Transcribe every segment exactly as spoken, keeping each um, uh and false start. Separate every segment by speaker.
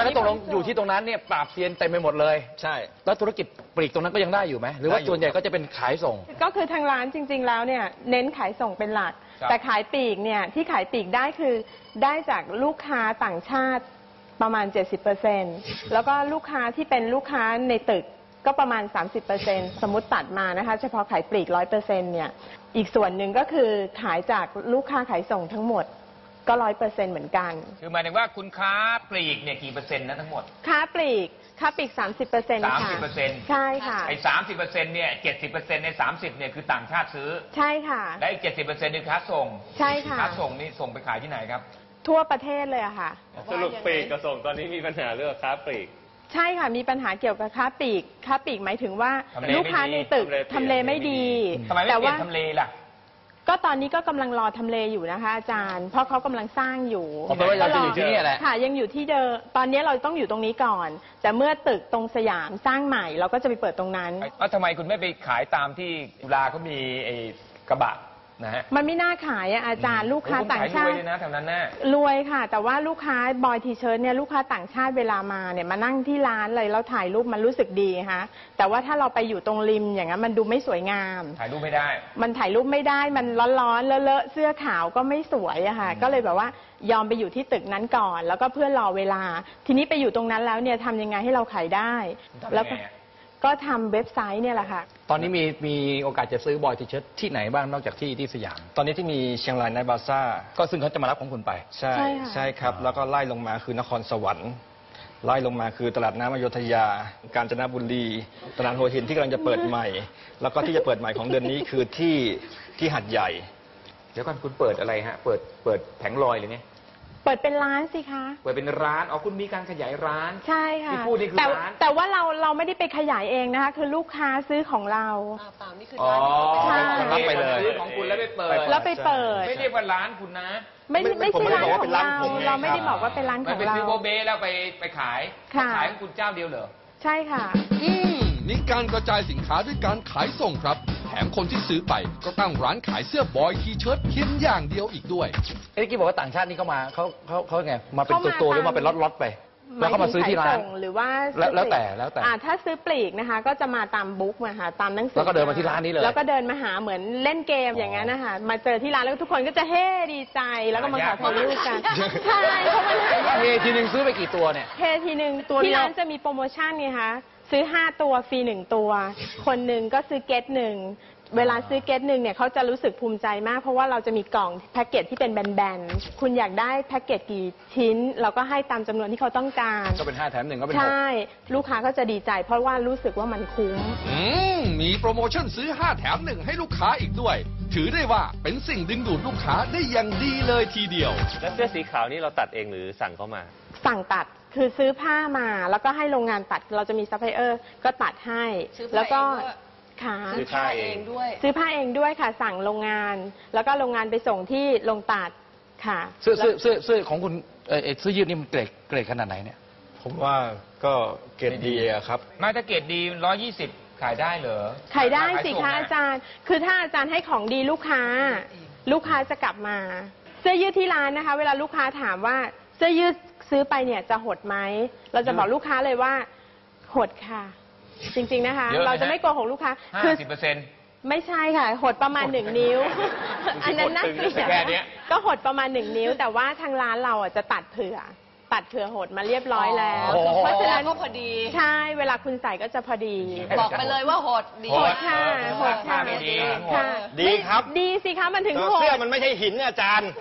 Speaker 1: มันก็ตกลงอยู่ที่ตรงนั้นเนี่ยปราบเซียนเต็มไปหมดเลย
Speaker 2: ใช่
Speaker 1: แล้วธุรกิจปลีกตรงนั้นก็ยังได้อยู่ไหมหรือว่าส่วนใหญ่ก็จะเป็นขายส่ง
Speaker 3: ก็คือทางร้านจริงๆแล้วเนี่ยเน้นขายส่งเป็นหลักแต่ขายปลีกเนี่ยที่ขายปลีกได้คือได้จากลูกค้าต่างชาติประมาณ เจ็ดสิบเปอร์เซ็นต์ แล้วก็ลูกค้าที่เป็นลูกค้าในตึกก็ประมาณ สามสิบเปอร์เซ็นต์ สมมติตัดมานะคะเฉพาะขายปลีก ร้อยเปอร์เซ็นต์ เนี่ยอีกส่วนหนึ่งก็คือขายจากลูกค้าขายส่งทั้งหมดก็ ร้อยเปอร์เซ็นต์ เหมือนกัน
Speaker 4: คือหมายถึงว่าคุณค้าปลีกเนี่ยกี่เปอร์เซ็นต์นะทั้งหมด
Speaker 3: ค้าปลีกค้าปลีก สามสิบเปอร์เซ็นต์ ค่ะ
Speaker 4: สามสิบเปอร์เซ็นต์
Speaker 3: ใช่ค่ะ
Speaker 4: ไอ้สามสิบเปอร์เซ็นต์เนี่ยเจ็ดสิบเปอร์เซ็นต์ในสามสิบเนี่ยคือต่างชาติซื้อ
Speaker 3: ใช่ค่ะ
Speaker 4: และอีกเจ็ดสิบเปอร์เซ็นต์คือค้าส่ง
Speaker 3: ใช่ค่ะ
Speaker 4: ค้าส่งนี่ส่งไปขายที่ไหนครับ
Speaker 3: ทั่วประเทศเลยอะค่ะ
Speaker 2: สรุปปลีกกับส่งตอนนี้มีปัญหาเรื่องค้าปลีก
Speaker 3: ใช่ค่ะมีปัญหาเกี่ยวกับค้าปลีกค้าปลีกหมายถึงว่าลูกค้าในตึกทำเลไม่ดี
Speaker 4: ทำไมไม่เปลี่ยนทำเลล่ะ
Speaker 3: ก็ตอนนี้ก็กำลังรอทำเลอยู่นะคะอาจารย์เพราะเขากำลังสร้างอยู่
Speaker 1: เพราะว่ายังอยู่ที่นี่แหละ
Speaker 3: ค่ะยังอยู่ที่เดิมตอนนี้เราต้องอยู่ตรงนี้ก่อนแต่เมื่อตึกตรงสยามสร้างใหม่เราก็จะไปเปิดตรงนั้น
Speaker 4: แล้วทำไมคุณไม่ไปขายตามที่จุฬาเขามีไอ้กระบะนะฮะ
Speaker 3: มันไม่น่าขายอะอาจารย์ลูกค้าต่างชาติรวย
Speaker 4: เลยนะแถวนั้นน่ะ
Speaker 3: รวยค่ะแต่ว่าลูกค้าบอยทีเชิร์ตเนี่ยลูกค้าต่างชาติเวลามาเนี่ยมานั่งที่ร้านเลยแล้วถ่ายรูปมันรู้สึกดีฮะแต่ว่าถ้าเราไปอยู่ตรงริมอย่างนั้นมันดูไม่สวยงาม
Speaker 4: ถ่ายรูปไม่ได้
Speaker 3: มันถ่ายรูปไม่ได้มันร้อนๆเลอะๆเสื้อขาวก็ไม่สวยอะค่ะก็เลยแบบว่ายอมไปอยู่ที่ตึกนั้นก่อนแล้วก็เพื่อรอเวลาทีนี้ไปอยู่ตรงนั้นแล้วเนี่ยทำยังไงให้เราขายได้แล้วก็ก็ทำเว็บไซต์เนี่ยแหละค่ะ
Speaker 1: ตอนนี้มีมีโอกาสจะซื้อบอยทีเชิร์ตที่ไหนบ้างนอกจากที่ที่สยาม
Speaker 2: ตอนนี้ที่มีเชียงรายไนท์บาซ่า
Speaker 1: ก็ซึ่งเขาจะมารับของคุณไป
Speaker 2: ใช่ใช่ครับแล้วก็ไล่ลงมาคือนครสวรรค์ไล่ลงมาคือตลาดน้ำอโยธยากาญจนบุรีตลาดหัวหินที่กำลังจะเปิดใหม่แล้วก็ที่จะเปิดใหม่ของเดือนนี้คือที่ที่หาดใหญ่
Speaker 4: เดี๋ยวก่อนคุณเปิดอะไรฮะเปิดเปิดแผงลอยเลยเนี่ย
Speaker 3: เปิดเป็นร้านสิคะ
Speaker 4: เปิดเป็นร้านอ๋อคุณมีการขยายร้าน
Speaker 3: ใช่ค่ะ
Speaker 4: ที่พูดนี่คือร้าน
Speaker 3: แต่ว่าเราเราไม่ได้ไปขยายเองนะคะคือลูกค้าซื้อของเรา
Speaker 5: เปล่านี่คือร้านที่
Speaker 4: รับไปเลยซื้อของคุณแล้วไปเปิด
Speaker 3: แล้วไปเปิด
Speaker 4: ไม่เรียกว่าร้านคุณนะ
Speaker 3: ไม่ไม่ใช่ร้านของเราเราไม่ได้บอกว่าเป็นร้านของเรา
Speaker 4: ไปซื้อโบเบ้แล้วไปไปขายขายของคุณเจ้าเดียวเหรอ
Speaker 3: ใช่ค่ะ
Speaker 6: อืมมีการกระจายสินค้าด้วยการขายส่งครับแถมคนที่ซื้อไปก็ตั้งร้านขายเสื้อบอยทีเชิ้ตเพียงอย่างเดียวอีกด้วย
Speaker 1: เอ้กี้บอกว่าต่างชาตินี่เขามาเขาเขาเขาไงมาเป็นตัวๆหรือมาเป็นล็อตๆไปแล้วก็มาซื้อที่ร้าน
Speaker 3: หรือว่า
Speaker 1: แล้วแต่แล้วแต่
Speaker 3: ถ้าซื้อปลีกนะคะก็จะมาตามบุ๊กมาค่ะตามหนังสือ
Speaker 1: แล้วก็เดินมาที่ร้านนี้เลย
Speaker 3: แล้วก็เดินมาหาเหมือนเล่นเกมอย่างนั้นนะคะมาเจอที่ร้านแล้วทุกคนก็จะเฮ้ดีใจแล้วก็มาขอถ่ายรูปกันใช่เพราะมัน
Speaker 1: เฮทีนึงซื้อไปกี่ตัวเนี่ย
Speaker 3: เฮทีนึงที่ร้านจะมีโปรโมชั่นไงคะซื้อห้าตัวฟรีหนึ่งตัวคนหนึ่งก็ซื้อเก็ตหนึ่งเวลาซื้อเก็ตหนึ่งเนี่ยเขาจะรู้สึกภูมิใจมากเพราะว่าเราจะมีกล่องแพ็กเกจที่เป็นแบนๆคุณอยากได้แพ็กเกจกี่ชิ้นเราก็ให้ตามจำนวนที่เขาต้องการ
Speaker 1: ก็เป็นห้าแถมหนึ่งก็เป็นหก
Speaker 3: ใช่ลูกค้าก็จะดีใจเพราะว่ารู้สึกว่ามันคุ้ม
Speaker 6: อืมมีโปรโมชั่นซื้อห้าแถมหนึ่งให้ลูกค้าอีกด้วยถือได้ว่าเป็นสิ่งดึงดูดลูกค้าได้อย่างดีเลยทีเดียว
Speaker 2: แล้วเสื้อสีขาวนี่เราตัดเองหรือสั่งเข้ามา
Speaker 3: สั่งตัดคือซื้อผ้ามาแล้วก็ให้โรงงานตัดเราจะมีซัพพลายเออร์ก็ตัดให้แล้วก็
Speaker 5: ซื้อผ้าเองด้วย
Speaker 3: ซื้อผ้าเองด้วยค่ะสั่งโรงงานแล้วก็โรงงานไปส่งที่โรงตัดค่ะ
Speaker 1: เสื้อเสื้อเสื้อเสื้อของคุณเออเสื้อยืดนี่มันเกรดเกรดขนาดไหนเนี่ย
Speaker 2: ผมว่าก็เกรดดีอะครับ
Speaker 4: ไม่ถ้าเกรดดีร้อยยี่สิบขายได้เหรอ
Speaker 3: ขายได้สิคะอาจารย์คือถ้าอาจารย์ให้ของดีลูกค้าลูกค้าจะกลับมาเสื้อยืดที่ร้านนะคะเวลาลูกค้าถามว่าเสื้อยืดซื้อไปเนี่ยจะหดไหมเราจะบอกลูกค้าเลยว่าหดค่ะจริงๆนะคะเราจะไม่โกหกลูกค้า
Speaker 4: คือสิบเปอร์เซ็นต์
Speaker 3: ไม่ใช่ค่ะหดประมาณหนึ่งนิ้วอันนั้นน่าเกลียดก็หดประมาณหนึ่งนิ้วแต่ว่าทางร้านเราอ่ะจะตัดเผื่อตัดเผื่อหดมาเรียบร้อยแล้ว
Speaker 5: เพราะฉะนั้นก็พอดี
Speaker 3: ใช่เวลาคุณใส่ก็จะพอดี
Speaker 5: บอกไปเลยว่าหดดี
Speaker 3: หดค่ะหดค่ะ
Speaker 4: ดี
Speaker 2: ดีครับ
Speaker 3: ดีสิคะมันถึงหด
Speaker 2: เสื้อมันไม่ใช่หินอาจารย์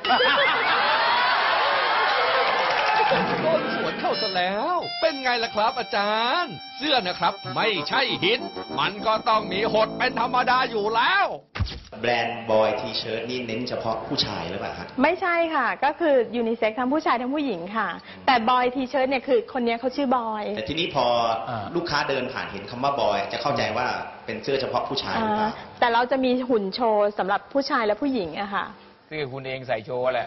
Speaker 6: โดนสวนเข้าซะแล้วเป็นไงล่ะครับอาจารย์เสื้อนะครับไม่ใช่หินมันก็ต้องมีหดเป็นธรรมดาอยู่แล้ว
Speaker 7: แบรนด์บอยทีเชิ้ตนี่เน้นเฉพาะผู้ชายหรือเปล่าครับ
Speaker 3: ไม่ใช่ค่ะก็คือยูนิเซ็กซ์ทั้งผู้ชายทั้งผู้หญิงค่ะแต่บอยทีเชิ้ตเนี่ยคือคนนี้เขาชื่อบอย
Speaker 7: แต่ทีนี้พอลูกค้าเดินผ่านเห็นคำว่าบอยจะเข้าใจว่าเป็นเสื้อเฉพาะผู้ชายหรือเปล่า
Speaker 3: แต่เราจะมีหุ่นโชว์สำหรับผู้ชายและผู้หญิงอะค่ะ
Speaker 4: คือคุณเองใส่โชว์แหละ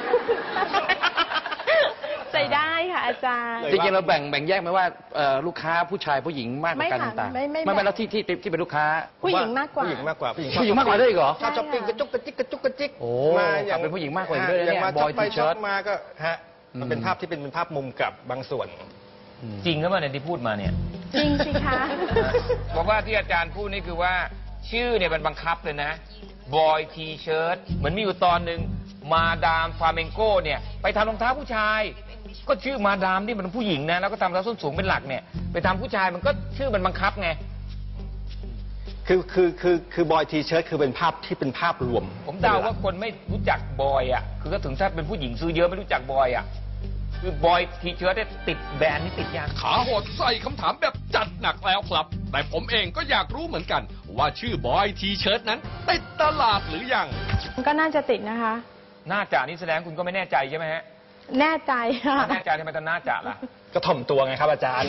Speaker 3: ใส่ได้ค่ะอาจารย์
Speaker 1: จริงๆเราแบ่งแบ่งแยกไหมว่าลูกค้าผู้ชายผู้หญิงมากกว่ากันต่างๆไม่ไม่ไม่แล้วที่ที่ที่เป็นลูกค้า
Speaker 3: ผู้หญิงมากกว่า
Speaker 2: ผู้หญิงมากกว่า
Speaker 1: ผู้หญิงผู้หญิงมากกว่าได้เหรอ
Speaker 2: ชอบช้อปปิ้งกระจุกกระจิกกระจุกกระจิก
Speaker 1: โอ้มาอย่างเป็นผู้หญิงมากกว่าด้วยเนี่ย
Speaker 2: บอยทีเชิ้ตมาก็ฮะมันเป็นภาพที่เป็นเป็นภาพมุมกลับบางส่วน
Speaker 4: จริงหรือเปล่าเนี่ยที่พูดมาเนี่ย
Speaker 3: จริงสิคะ
Speaker 4: เพราะว่าที่อาจารย์พูดนี่คือว่าชื่อเนี่ยมันบังคับเลยนะบอยทีเชิร์ตเหมือนมีอยู่ตอนหนึ่งมาดามฟาเมงโกเนี่ยไปทำรองเท้าผู้ชาย ก็ชื่อมาดามที่มันผู้หญิงนะแล้วก็ทำรองเท้าส้นสูงเป็นหลักเนี่ยไปทำผู้ชายมันก็ชื่อมันบังคับไง
Speaker 2: คือคือคือคือบอยทีเชิร์ตคือเป็นภาพที่เป็นภาพรวม
Speaker 4: ผมเดาว่าคนไม่รู้จักบอยอ่ะคือก็ถึงถ้าเป็นผู้หญิงซื้อเยอะไม่รู้จักบอยอ่ะคือบอยทีเชิร์ตเนี่ยติดแบรนด์นี่ติดยาง
Speaker 6: ขาโหดใส่คำถามแบบจัดหนักแล้วครับ แต่ผมเองก็อยากรู้เหมือนกัน ว่าชื่อบอยทีเชิร์ตนั้นติดตลาดหรือยัง
Speaker 3: ก็น่าจะติดนะคะ
Speaker 4: น่าจะนี่แสดงคุณก็ไม่แน่ใจใช่ไหมฮะ
Speaker 3: แน่ใจค่ะ
Speaker 4: แน่ใจทำไมต้องน่าจะล่ะ
Speaker 2: ก็ถ่อมตัวไงครับอาจารย์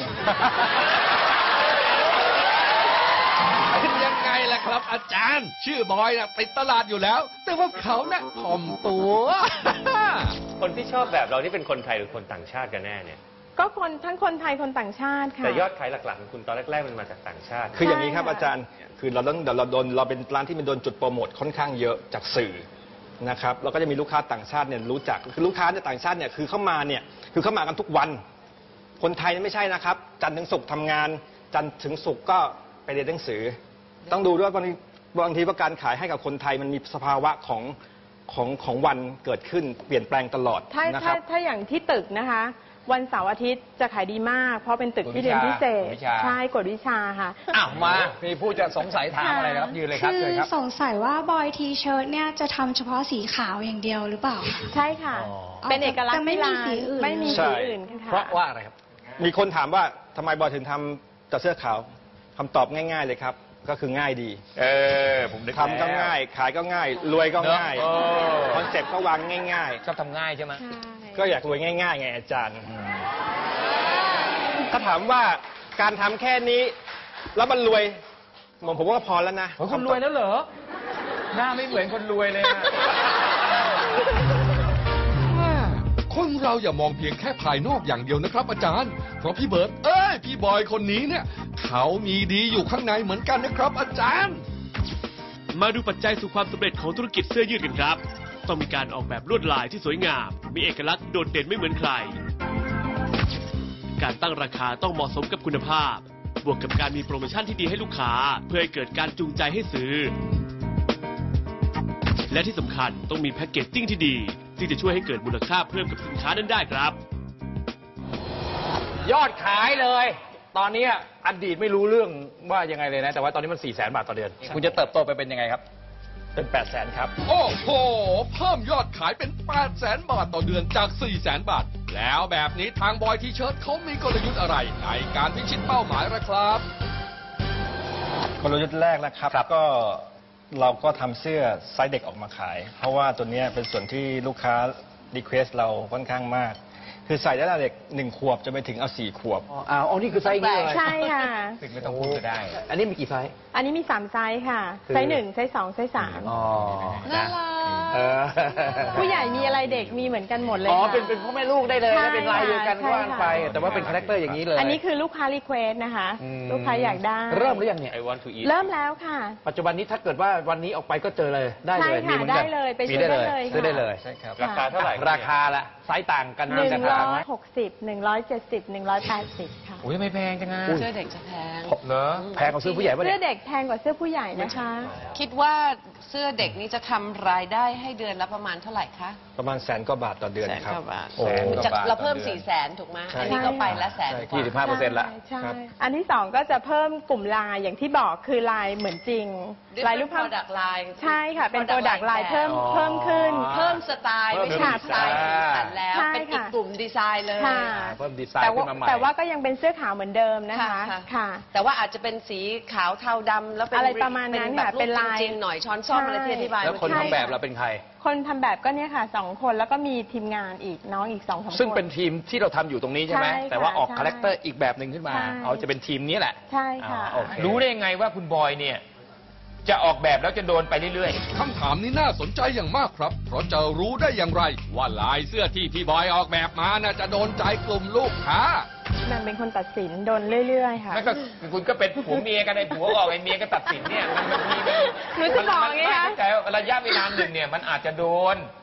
Speaker 6: เป็นยังไงล่ะครับอาจารย์ ชื่อบอยนะติดตลาดอยู่แล้ว แต่ว่าเขาน่ะถ่อมตัว
Speaker 8: คนที่ชอบแบบเรานี่เป็นคนไทยหรือคนต่างชาติกันแน่เนี่ย
Speaker 3: ก็คนทั้งคนไทยคนต่างชาติค่ะ
Speaker 8: แต่ยอดขายหลักๆของคุณตอนแรกๆมันมาจากต่างชาติ
Speaker 2: คืออย่างนี้ครับ
Speaker 3: ใช่ค่ะ
Speaker 2: อาจารย์ คือเราต้องเราโดนเราเป็นร้านที่มันโดนจุดโปรโมทค่อนข้างเยอะจากสื่อนะครับแล้วก็จะมีลูกค้าต่างชาติเนี่ยรู้จักคือลูกค้าเนี่ยต่างชาติเนี่ยคือเข้ามาเนี่ยคือเข้ามากันทุกวัน คนไทยเนี่ยไม่ใช่นะครับ จันทร์ถึงศุกร์ทำงาน จันทร์ถึงศุกร์ก็ไปเรียนหนังสือ ต้องดูด้วยว่าบางทีบางทีว่าการขายให้กับคนไทยมันมีสภาวะของของของวันเกิดขึ้นเปลี่ยนแปลงตลอด
Speaker 3: ถ้า
Speaker 2: นะค
Speaker 3: ถ้า
Speaker 2: รับ
Speaker 3: ถ้าอย่างที่ตึกนะคะ วันเสาร์อาทิตย์จะขายดีมาก เพราะเป็นตึกที่เรียนพิเศษ
Speaker 4: กฎวิชา
Speaker 3: ใช่กฎวิชาค่ะ
Speaker 4: อ้าวมามีผู้จะสงสัยถามอะไรนะครับยืนเลยครับ
Speaker 9: คื
Speaker 4: เชิญครับ
Speaker 9: สงสัยว่าบอยทีเชิร์ตเนี่ยจะทำเฉพาะสีขาวอย่างเดียวหรือเปล่าคะ
Speaker 3: ใช่ค่ะ
Speaker 4: อ๋อ
Speaker 3: เป็นเอกลักษ
Speaker 9: จะ
Speaker 3: ณ์
Speaker 9: ไม่มี
Speaker 3: ที่ร้าน
Speaker 9: สีอื่น
Speaker 3: ไม่มี
Speaker 2: ใช่
Speaker 3: สีอื่นค่ะ
Speaker 1: เพราะว่าอะไรครับ
Speaker 2: มีคนถามว่าทำไมบอยถึงทำแต่เสื้อขาวคำตอบง่าย ๆเลยครับ ก็คือง่ายดี
Speaker 4: เออผมนึก
Speaker 2: ทำก็ง่าย ขายก็ง่าย รวยก็ง่าย
Speaker 4: เนอะเออ
Speaker 2: คอนเซ็ปต์ก็วางง่าย
Speaker 4: ชอบทำง่ายใช่ไหม
Speaker 3: ใช่
Speaker 2: ๆ ก็อยากรวยง่ายๆไงอาจารย์ถ้าถามว่าการทำแค่นี้ แล้วมันรวยผมผมว่าพอแล้วนะ
Speaker 4: โอ้ยคนรวยแล้วเหรอ หน้าไม่เหมือนคนรวยเลยอะ
Speaker 6: คนเราอย่ามองเพียงแค่ภายนอกอย่างเดียวนะครับอาจารย์ เพราะพี่เบิร์ตเอ้ยพี่บอยคนนี้เนี่ย เขามีดีอยู่ข้างในเหมือนกันนะครับอาจารย์
Speaker 10: มาดูปัจจัยสู่ความสำเร็จของธุรกิจเสื้อยืดกันครับ ต้องมีการออกแบบลวดลายที่สวยงาม มีเอกลักษณ์โดดเด่นไม่เหมือนใคร การตั้งราคาต้องเหมาะสมกับคุณภาพ บวกกับการมีโปรโมชั่นที่ดีให้ลูกค้า เพื่อให้เกิดการจูงใจให้ซื้อ และที่สำคัญต้องมีแพ็กเกจจิ้งที่ดีที่จะช่วยให้เกิดมูลค่าเพิ่มกับสินค้านั้นได้ครับ
Speaker 1: ยอดขายเลย ตอนนี้อดีตไม่รู้เรื่องว่ายังไงเลยนะ แต่ว่าตอนนี้มันสี่แสนบาทต่อเดือน คุณจะเติบโตไปเป็นยังไงครับ
Speaker 2: เป็นแปดแสนครับ
Speaker 6: โอ้โห เพิ่มยอดขายเป็น แปดแสน บาทต่อเดือนจาก สี่แสน บาท แล้วแบบนี้ทางบอยทีเชิร์ตเขามีกลยุทธ์อะไรในการพิชิตเป้าหมายล่ะครับ
Speaker 2: กลยุทธ์แรกนะครับก็เราก็ทำเสื้อไซส์เด็กออกมาขาย เพราะว่าตัวเนี้ยเป็นส่วนที่ลูกค้ารีเควสเราค่อนข้างมาก คือใส่ได้ตั้งแต่เด็กหนึ่งขวบจะไปถึงเอาสี่ขวบ
Speaker 1: อ๋ออ๋อนี่คือไซส์นี้เลย
Speaker 3: ใช่ค่ะ
Speaker 4: ถึงไม่ต้องพูดก็ได้
Speaker 1: อันนี้มีกี่ไซส์
Speaker 3: อันนี้มีสามไซส์ค่ะ
Speaker 1: คือ
Speaker 3: ไซส์หนึ่งไซส์สองไซส์สาม
Speaker 1: อ๋อ
Speaker 5: น่ารัก
Speaker 1: เออ
Speaker 3: ผู้ใหญ่มีอะไรเด็กมีเหมือนกันหมดเลย
Speaker 1: อ๋อ
Speaker 3: ค่ะ
Speaker 1: เป็นเป็นพ่อแม่ลูกได้เลย
Speaker 3: ใช่
Speaker 1: นะเป็นลายเดียวกัน
Speaker 3: ค่ะ
Speaker 1: ว่างไป
Speaker 3: ใช่ค่ะ
Speaker 1: แต่ว่าเป็นคาแรคเตอร์อย่างนี้เลย
Speaker 3: อันนี้คือลูกค้ารีเควสนะคะ
Speaker 1: ม
Speaker 3: ลูกค้าอยากได้
Speaker 1: เริ่มหรือยังเนี่ย
Speaker 8: I want to eat
Speaker 3: เริ่มแล้วค่ะ
Speaker 1: ปัจจุบันนี้ถ้าเกิดว่าวันนี้ออกไปก็เจอเลยได้เลย
Speaker 3: ใช่ค่ะ
Speaker 1: มีหมือนกัน
Speaker 3: ได้เลยไปซื้
Speaker 1: มี
Speaker 3: อ
Speaker 1: ได้
Speaker 3: ได้
Speaker 1: เลย
Speaker 3: เลย
Speaker 1: ซื้อได้เลย
Speaker 2: ใช่ครับ
Speaker 8: ราคาเท่าไหร่
Speaker 1: ราคาละไซส์ต่างกัน
Speaker 3: หนึ่ง
Speaker 1: รา
Speaker 3: ร้
Speaker 1: คา
Speaker 3: อ
Speaker 1: ไหม
Speaker 3: ยหกสิบหนึ่งร้อยเจ็ดสิบหนึ่งร้อยแปดสิบค่ะ
Speaker 4: โอ้ยไม่แพงจังอะ
Speaker 5: เสื้อเด็กจะแพง
Speaker 4: เหรอ
Speaker 1: แพงกว่าซื้อผู้ใหญ่ป่ะ
Speaker 3: เสื้
Speaker 1: เนี่
Speaker 3: อย เด็กแพงกว่าเสื้อผู้ใหญ่นะคะ
Speaker 5: คิดว่าเสื้อเด็กนี้จะทำรายได้ให้เดือนละประมาณเท่าไหร่คะ
Speaker 2: ประมาณแสนกว่าบาทต่อเดือน
Speaker 5: แสน
Speaker 2: ครับ
Speaker 5: กว่าบาท
Speaker 1: โอ้
Speaker 5: จากเราเพิ่มสี่แสนถูกไหม
Speaker 2: ใช่
Speaker 5: อันนี้ก็ไปละแสนก
Speaker 1: ยี่สิบ
Speaker 5: ว่า
Speaker 1: ห้าเปอร์เซ็นต์ละ
Speaker 3: ใช่
Speaker 2: ครับ
Speaker 3: อันที่สองก็จะเพิ่มกลุ่มลายอย่างที่บอกคือลายเหมือนจริง ลายรูปภาพ
Speaker 5: ดักลาย
Speaker 3: ใช่ค่ะ เป็นโปรดักต์ลายเพิ่ม
Speaker 1: อ๋อ
Speaker 3: เพิ่มขึ้น
Speaker 5: เพิ่มสไตล์ไม่ใช่
Speaker 3: ค่ะ
Speaker 5: สไตล์สีสันแล้ว
Speaker 3: ใช่
Speaker 5: เป็นอีก
Speaker 3: ค่ะ
Speaker 5: กลุ่มดีไซน์เลย
Speaker 3: ค่ะ
Speaker 1: เพิ่มดีไซน์
Speaker 3: แต่
Speaker 1: ขึ้
Speaker 3: ว่าน
Speaker 1: มาใหม่
Speaker 3: แต่ว่าก็ยังเป็นเสื้อขาวเหมือนเดิมนะคะ
Speaker 5: ค่ะ
Speaker 3: ค่ะ
Speaker 5: แต่ว่าอาจจะเป็นสีขาวเทาดำแล้วเป็น
Speaker 3: อะไรประมาณนั้น
Speaker 5: แบบ
Speaker 3: ค่ะเป็นลาย
Speaker 5: จริงๆหน่อยช้อนซ่อมอะไรที่อธิบาย
Speaker 1: แล้วคน
Speaker 5: เมื่อ
Speaker 1: ทำ
Speaker 5: กี้
Speaker 1: แบบเราเป็นใคร
Speaker 3: คนทำแบบก็เนี่ยค่ะสองคนแล้วก็มีทีมงานอีกน้องอีกสองสามคน
Speaker 1: ซึ่งเป็นทีมที่เราทำอยู่ตรงนี้ใช่ไหม
Speaker 3: ใช่ค่ะ
Speaker 1: แต่ว่าออก
Speaker 3: ใช่
Speaker 1: คาแรคเตอร์อีกแบบหนึ่งขึ้นมา
Speaker 3: ใช่
Speaker 1: เอาจะเป็นทีมนี้แหละ
Speaker 3: ใช่ค่ะ
Speaker 1: อ่าโอเค
Speaker 4: รู้ได้ยังไงว่าคุณบอยเนี่ย จะออกแบบแล้วจะโดนไปเรื่อย
Speaker 6: คำถามนี้น่าสนใจอย่างมากครับ เพราะจะรู้ได้อย่างไร ว่าลายเสื้อที่พี่บอยออกแบบมาน่าจะโดนใจกลุ่มลูกค้า
Speaker 3: มันเป็นคนตัดสินโดนเรื่อยๆ
Speaker 4: ๆ
Speaker 3: ค่ะ
Speaker 4: นั่นก็คุณก็เป็นผัวเมียกันไอ้ผัวออกไอ้เมียก็ตัดสินเนี่ยมันบางทีมัน
Speaker 3: หนูจะบอกไงคะ
Speaker 4: แต่ระยะเวลาหนึ่งเนี่ยมันอาจจะโดน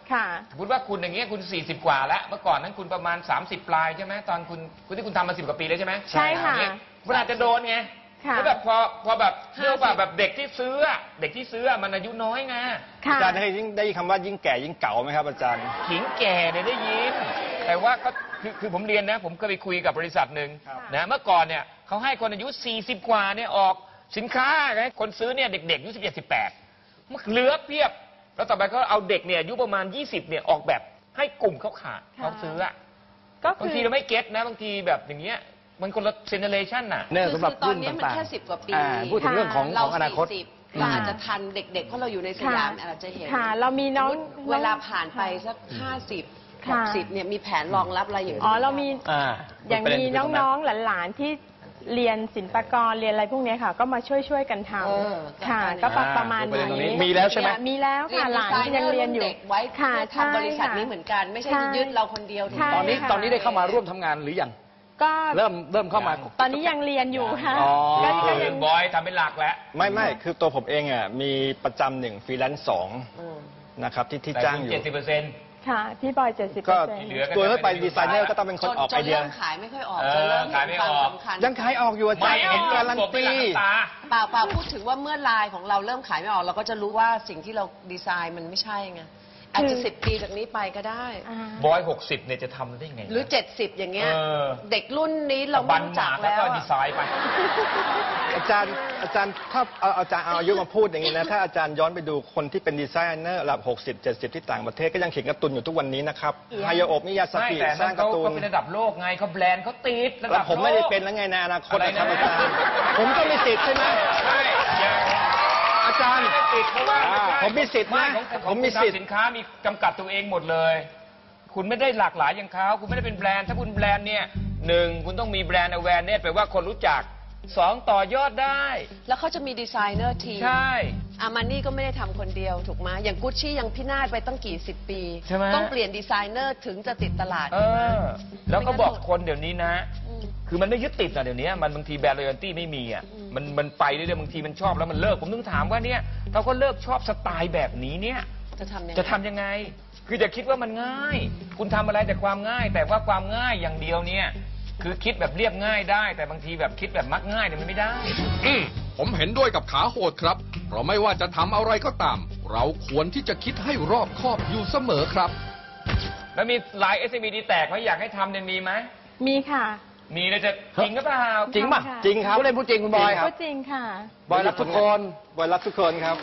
Speaker 3: ค่ะ
Speaker 4: สมมติว่าคุณอย่างเงี้ยคุณสี่สิบกว่าแล้วเมื่อก่อนนั้นคุณประมาณสามสิบปลายใช่ไหมตอนคุณคุณที่คุณทำมาสิบกว่าปีแล้วใช่ไหม
Speaker 3: ใช่ค่ะ
Speaker 4: อย่างเงี้ยมันอาจจะโดนไง
Speaker 3: ค่ะ
Speaker 4: แล้วแบบพอพอแบบเรียกว่าแบบเด็กที่ซื้ออะเด็กที่ซื้ออะมันอายุน้อยไง
Speaker 3: ค่ะ
Speaker 2: อาจารย์ได้ยิ่งได้ยินคำว่ายิ่งแก่ยิ่งเก่าไหมครับอาจารย์
Speaker 4: ขิงแก่เนี่ยได้ยินแต่ว่าก็คือคือผมเรียนนะ ผมเคยไปคุยกับบริษัทหนึ่ง
Speaker 2: ครับ
Speaker 4: นะเมื่อก่อนเนี่ยเขาให้คนอายุสี่สิบกว่าเนี่ยออกสินค้าให้คนซื้อเนี่ยเด็กๆอายุสิบเจ็ดสิบแปดมันเหลือเพียบ แล้วต่อไปก็เอาเด็กเนี่ยอายุประมาณยี่สิบเนี่ยออกแบบให้กลุ่มเขาขาด
Speaker 3: ค่ะ
Speaker 4: เขาซื้ออะ
Speaker 3: ก็
Speaker 4: บาง
Speaker 3: คือ
Speaker 4: ทีเราไม่เก็ตนะบางทีแบบอย่างเงี้ยมันคนละเจเนเรชันน่ะ
Speaker 1: เนี่ย
Speaker 5: คือ
Speaker 1: สำหรับ
Speaker 5: คือตอน
Speaker 1: รุ่น
Speaker 5: นี้มัน
Speaker 1: ต่าง
Speaker 5: แค่สิบกว่าปี
Speaker 1: อ่าพูดถึงเรื่องของ
Speaker 5: เรา
Speaker 1: ของอนาคต
Speaker 5: สี่สิบเราอาจจะทันเด็กๆเพราะเราอยู่ในสยามอาจจะเห็น
Speaker 3: ค่ะ เรามีน้อง
Speaker 5: เวลาผ่านไปสักห้าสิบห
Speaker 3: ค่ะ
Speaker 5: กสิบเนี่ยมีแผนรองรับอะไรอย่าง
Speaker 3: อ๋อ เรามี
Speaker 1: อ่า
Speaker 3: อย่างมีน้องๆหลานๆที่เรียนศิลปากรเรียนอะไรพวกเนี้ยค่ะ ก็มาช่วยช่วยๆกันท
Speaker 5: เออ
Speaker 3: ำค่ะ
Speaker 5: ก็
Speaker 3: ก็
Speaker 5: อันนี้
Speaker 3: ประมาณ
Speaker 1: ประเด็นตรงนี้
Speaker 3: นี้
Speaker 1: มีแล้วใช่ไหม
Speaker 3: มีแล้วค่ะหลานยังเรียนอยู่
Speaker 5: เด็กไว้
Speaker 3: ค่ะ
Speaker 5: เพื่อทำบริษัทนี้เหมือนกัน ไม่ใช่
Speaker 3: ใช่
Speaker 5: ยึดเราคนเดียวถูก
Speaker 3: ใช่
Speaker 5: ไหม
Speaker 1: ตอนนี้
Speaker 3: ค่ะ
Speaker 1: ตอนนี้ได้เข้ามาร่วมทำงานหรือยัง
Speaker 3: ก็
Speaker 1: เริ่มเริ่มเข้ามา
Speaker 3: ตอนนี้ยังเรียนอยู่ค่ะ
Speaker 1: อ๋อ
Speaker 3: ก็ก็
Speaker 4: คื
Speaker 3: ยั
Speaker 4: อง บอยทำเป็นหลักแล้ว
Speaker 2: ไม่ไม่คือตัวผมเองอ่ะมีประจำหนึ่งฟรีแลนซ์สอง
Speaker 5: อืม
Speaker 2: นะครับที่ที่
Speaker 4: แต่
Speaker 2: จ้าง
Speaker 4: คุณ
Speaker 2: อยู่
Speaker 4: เจ็ดสิบเปอร์เซ็นต์
Speaker 3: ค่ะพี่บอยเจ็ดสิบเป
Speaker 2: ก็
Speaker 3: อร์เซ็นต์
Speaker 4: เหลือ
Speaker 2: ตัวถ้าไปดีไซเนอร์ก็ต้องเป็นคนออก
Speaker 5: จ
Speaker 2: ไอน เดีย
Speaker 5: เริ่มขายไม่ค่อยออก
Speaker 4: เออ
Speaker 5: จนเริ่ม
Speaker 4: ขาย
Speaker 5: เห็
Speaker 4: ไม่
Speaker 5: น
Speaker 4: อ
Speaker 5: ควา
Speaker 4: อก
Speaker 5: มสำคัญ
Speaker 2: ยังขายออกอยู่อาจา
Speaker 4: ไม่
Speaker 2: รย์
Speaker 4: เห็น
Speaker 2: การัน
Speaker 4: กบเป็น
Speaker 2: ตี
Speaker 4: หลังตา
Speaker 5: เปล่าเปล่าพูดถึงว่าเมื่อลายของเราเริ่มขายไม่ออกเราก็จะรู้ว่าสิ่งที่เราดีไซน์มันไม่ใช่ไงอาจจะสิบปีจากนี้ไปก็ได้
Speaker 3: อ่า
Speaker 4: บอยหกสิบเนี่ยจะทำได้ไง
Speaker 5: หรือเจ็ดสิบอย่างเงี้ย
Speaker 4: เออ
Speaker 5: เด็กรุ่นนี้เราไม่
Speaker 4: บัน
Speaker 5: รู้
Speaker 4: ห
Speaker 5: จั
Speaker 4: มาก กแล้ว
Speaker 5: แล้ว
Speaker 4: ก็
Speaker 5: อะ
Speaker 4: ดีไซน์ไป
Speaker 2: อาจารย์อาจารย์ถ้าเอาอาจารย์เอาอายุมาพูดอย่างนี้นะถ้าอาจารย์ย้อนไปดูคนที่เป็นดีไซเนอร์ระดับหกสิบ เจ็ดสิบที่ต่างประเทศก็ยังเขียนการ์ตูนอยู่ทุกวันนี้นะครับฮายาโอะมิยาส
Speaker 4: ไม่
Speaker 2: กิ
Speaker 4: แต่
Speaker 2: ส
Speaker 4: นั่
Speaker 2: ร้าง
Speaker 4: น
Speaker 2: กา
Speaker 4: เขา
Speaker 2: ร์ตูน
Speaker 4: เขาเป็นระดับโลกไงเขาแบรนด์เขาติดระดั
Speaker 2: แล้
Speaker 4: บ
Speaker 2: ว
Speaker 4: โลก
Speaker 2: ผมไม่ได้เป็นแล้วไงในอนาคตนะครับ
Speaker 4: อะไร
Speaker 2: อา
Speaker 4: นะ
Speaker 2: จารย์ผมก็มีสิทธิ์ใช่ไหม
Speaker 4: ใช่อย่า
Speaker 2: อาจารย์
Speaker 4: ไม่ได้ติดเพราะว่า
Speaker 2: อ่า
Speaker 4: ไใช่
Speaker 2: ผมมีสิทธิ์นะ
Speaker 4: ไของของ
Speaker 2: ผมมี
Speaker 4: คุณ
Speaker 2: สิทธิ์
Speaker 4: ทำสินค้ามีจำกัดตัวเองหมดเลย คุณไม่ได้หลากหลายอย่างเขาคุณไม่ได้เป็นแบรนด์ถ้าคุณแบรนด์เนี่ยหนึ่งคุณต้องมีแบรนด์ awareness แปลว่าคนรู้จักสองต่อยอดได้
Speaker 5: แล้วเขาจะมีดีไซเนอร์ทีม
Speaker 4: ใช่
Speaker 5: อามานี่ก็ไม่ได้ทำคนเดียวถูกไหมอย่างกุชชี่ยังพินาศไปตั้งกี่สิบปี
Speaker 4: ใช่ไหม
Speaker 5: ต้องเปลี่ยนดีไซเนอร์ถึงจะติดตลาด
Speaker 4: เออ แล้วก็บอกคนเดี๋ยวนี้นะ
Speaker 5: ม
Speaker 4: คือมันไม่ยึดติดอะเดี๋ยวนี้มันบางทีแบรนด์ loyalty ไม่มีอ่ะ
Speaker 5: อืม
Speaker 4: มันมันไปเรื่อยๆบางทีมันชอบแล้วมันเลิกผมถึงถามว่าเนี่ยเราก็เลิกชอบสไตล์แบบนี้เนี่ย
Speaker 5: จะทำยังไง
Speaker 4: จะทำยังไง คือจะคิดว่ามันง่าย คุณทำอะไรแต่ความง่าย แต่ว่าความง่ายอย่างเดียวเนี่ย คือคิดแบบเรียบง่ายได้ แต่บางทีแบบคิดแบบมักง่ายเนี่ยมันไม่ได้
Speaker 6: อืมผมเห็นด้วยกับขาโหดครับ เพราะไม่ว่าจะทำอะไรก็ตาม เราควรที่จะคิดให้รอบคอบอยู่เสมอครับ
Speaker 4: แล้วมีหลาย เอส เอ็ม อี ดีแตกไหมอยากให้ทำเนี่ยมีไหม
Speaker 3: มีค่ะ
Speaker 4: มีแล้วจะจริงหรือเปล่า
Speaker 1: จริงป่ะ
Speaker 3: ค่ะ
Speaker 2: จริงครับ
Speaker 1: ผู้เล่นพูดจริงคุณบอย
Speaker 3: ก็จริงค่ะ
Speaker 1: บอยรักทุกคน
Speaker 2: บอยรักทุกคนครับ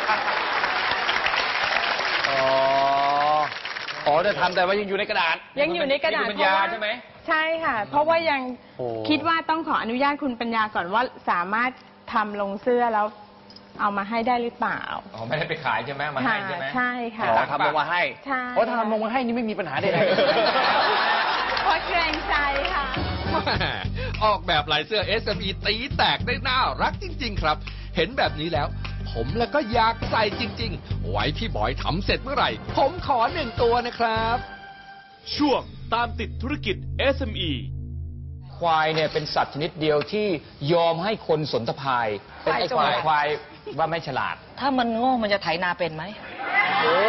Speaker 1: อ๋อ อ๋อจะทำแต่ว่ายังอยู่ในกระดาษ
Speaker 3: ยังอยู่ในกระดาษ
Speaker 4: มีคุณปัญญาใช่ไหม
Speaker 3: ใช่ค่ะ เพราะว่ายัง
Speaker 1: โอ้
Speaker 3: คิดว่าต้องขออนุญาตคุณปัญญาก่อนว่าสามารถทำลงเสื้อแล้วเอามาให้ได้หรือเปล่า
Speaker 4: อ๋อไม่ได้ไปขายใช่ไหมมาให้ใช่ไหม
Speaker 3: ใช่ค่ะ
Speaker 1: อ๋อทำลงมาให้
Speaker 3: ใช่
Speaker 1: เพราะถ้าทำลงมาให้นี่ไม่มีปัญหาใด
Speaker 3: เพราะเกรงใจค่ะ
Speaker 6: แม่ออกแบบลายเสื้อ เอส เอ็ม อี ตีแตกได้น่ารักจริง ๆ ครับ เห็นแบบนี้แล้ว ผมแล้วก็อยากใส่จริง ๆ ไว้พี่บอยทำเสร็จเมื่อไหร่ ผมขอหนึ่งตัวนะครับ
Speaker 10: ช่วงตามติดธุรกิจ เอส เอ็ม อี
Speaker 4: ควายเนี่ยเป็นสัตว์ชนิดเดียวที่ยอมให้คนสนทภายเป็นไอ้ควายควายว่าไม่ฉลาด
Speaker 11: ถ้ามันโง่มันจะไถนาเป็นไหม
Speaker 10: โอ้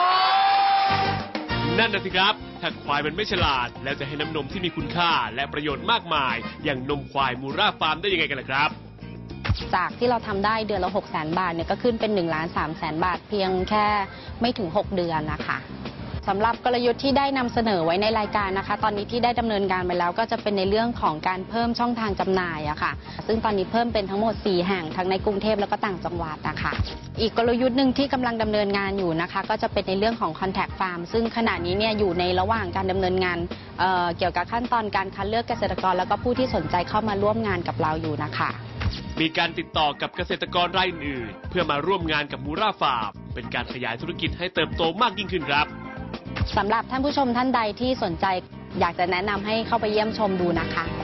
Speaker 10: นั่นน่ะสิครับ ถ้าควายมันไม่ฉลาด แล้วจะให้น้ำนมที่มีคุณค่าและประโยชน์มากมาย อย่างนมควายมูราฟาร์มได้ยังไงกันล่ะครับ
Speaker 12: จากที่เราทำได้เดือนละหกแสนบาทเนี่ยก็ขึ้นเป็นหนึ่งล้านสามแสนบาทเพียงแค่ไม่ถึงหกเดือนนะคะสำหรับกลยุทธ์ที่ได้นำเสนอไว้ในรายการนะคะ ตอนนี้ที่ได้ดำเนินการไปแล้วก็จะเป็นในเรื่องของการเพิ่มช่องทางจำหน่ายอะค่ะ ซึ่งตอนนี้เพิ่มเป็นทั้งหมดสี่แห่งทั้งในกรุงเทพแล้วก็ต่างจังหวัดนะคะอีกกลยุทธ์หนึ่งที่กำลังดำเนินงานอยู่นะคะ ก็จะเป็นในเรื่องของ Contact Farm ซึ่งขณะนี้เนี่ยอยู่ในระหว่างการดำเนินงานเอ่อเกี่ยวกับขั้นตอนการคัดเลือกเกษตรกรแล้วก็ผู้ที่สนใจเข้ามาร่วมงานกับเราอยู่นะคะ
Speaker 10: มีการติดต่อกับเกษตรกรรายอื่นๆเพื่อมาร่วมงานกับมูราฟาร์มเป็นการขยายธุรกิจให้เติบโตมากยิ่งขึ้นครับ
Speaker 12: สำหรับท่านผู้ชมท่านใดที่สนใจอยากจะแนะนำให้เข้าไปเยี่ยมชมดูนะคะ